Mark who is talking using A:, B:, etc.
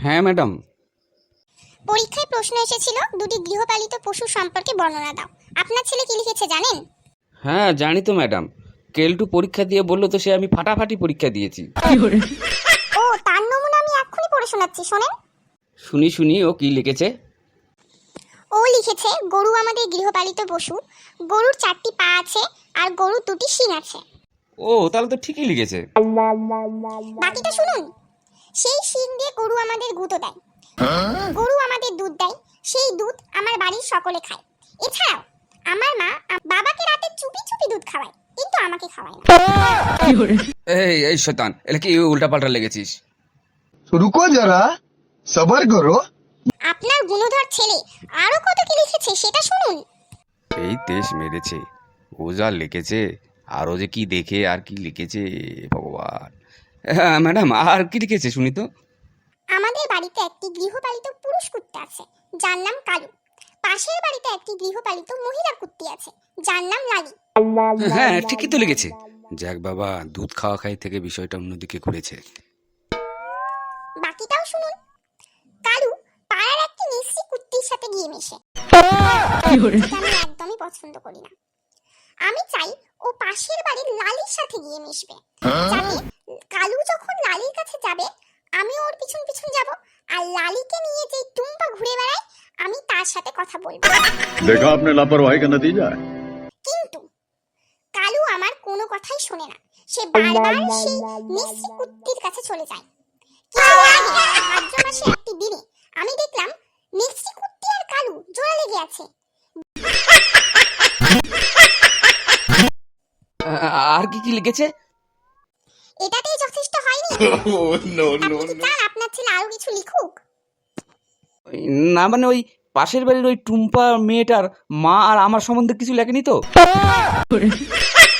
A: হ্যাঁ ম্যাডাম।
B: পরীক্ষায় প্রশ্ন এসেছিল দুটি গৃহপালিত পশু সম্পর্কে বর্ণনা দাও। আপনার ছেলে কি লিখেছে জানেন?
A: হ্যাঁ জানি তো ম্যাডাম, কেলটু পরীক্ষা দিয়ে বললো তো সে আমি ফাটাফাটি পরীক্ষা দিয়েছি।
B: ও, তার নমুনা আমি এক্ষুনি পড়ে শোনাচ্ছি, শোনেন।
A: শুনি শুনি, ও কি লিখেছে?
B: ও লিখেছে, গরু আমাদের গৃহপালিত পশু, গরুর 4টি পা আছে আর গরুর 2টি শিং আছে।
A: ও তাহলে তো ঠিকই লিখেছে।
B: বাকিটা শুনুন। সেই শিং দিয়ে গরু আমাদের গুঁতো দেয়, গরু আমাদের দুধ দেয়, সেই দুধ আমার বাড়ির সকলে খায়। এছাড়াও আমার মা বাবাকে রাতে চুপি চুপি দুধ খাওয়ায়, কিন্তু আমাকে খাওয়ায় না।
A: এই এই শয়তান, এটা কি উল্টাপাল্টা লেগেছিস?
C: रुको जरा सबर करो।
B: আপনার গুণধর ছেলে আরো কত কি লিখেছে সেটা শুনুন।
A: এই দেশ মেরেছে, ও যা লিখেছে, আরও যে কি দেখে আর কি লিখেছে ভগবান। হ্যাঁ ম্যাডাম, আর কি লিখেছে শুনি তো।
B: আমাদের বাড়িতে একটি গৃহপালিত পুরুষ কুত্তা আছে, যার নাম কালু। পাশের বাড়িতে একটি গৃহপালিত মহিলা কুত্তি আছে, যার নাম লালি।
A: হ্যাঁ ঠিকই তো লিখেছে। যাক বাবা, দুধ খাওয়া খাই থেকে বিষয়টা অন্যদিকে ঘুরেছে।
B: বাকিটাও শুনুন। কালু পাড়ার একটি মিষ্টি কুত্তির সাথে গিয়ে মেশে, যেটা আমি একদমই পছন্দ করি না। আমি চাই ও পাশের বাড়ির লালির সাথে গিয়ে মিশবে, যাতে কালু যখন লালির কাছে যাবে আমি ওর পিছন পিছন যাব, আর লালিকে নিয়ে যে টুম্পা ঘুরে বেড়ায় আমি তার সাথে কথা বলবো।
D: देखा आपने लापरवाही का नतीजा है।
B: কিন্তু কালু আমার কোনো কথাই শোনে না, সে বারবার সেই মিষ্টি কুত্তির কাছে চলে যায়। কিছুদিন আগে ভাদ্র মাসে একটি দিনে আমি দেখলাম মিষ্টি কুত্তি আর কালু জোড়া লেগে আছে।
A: আর কি কি লিখেছে?
B: এটাতেই যথেষ্ট হয়নি? আপনি কি চান আপনার ছেলে আরো কিছু লিখুক?
A: না মানে ওই পাশের বাড়ির ওই টুম্পা মেয়েটার মা আর আমার সম্বন্ধে কিছু লেখেনি তো?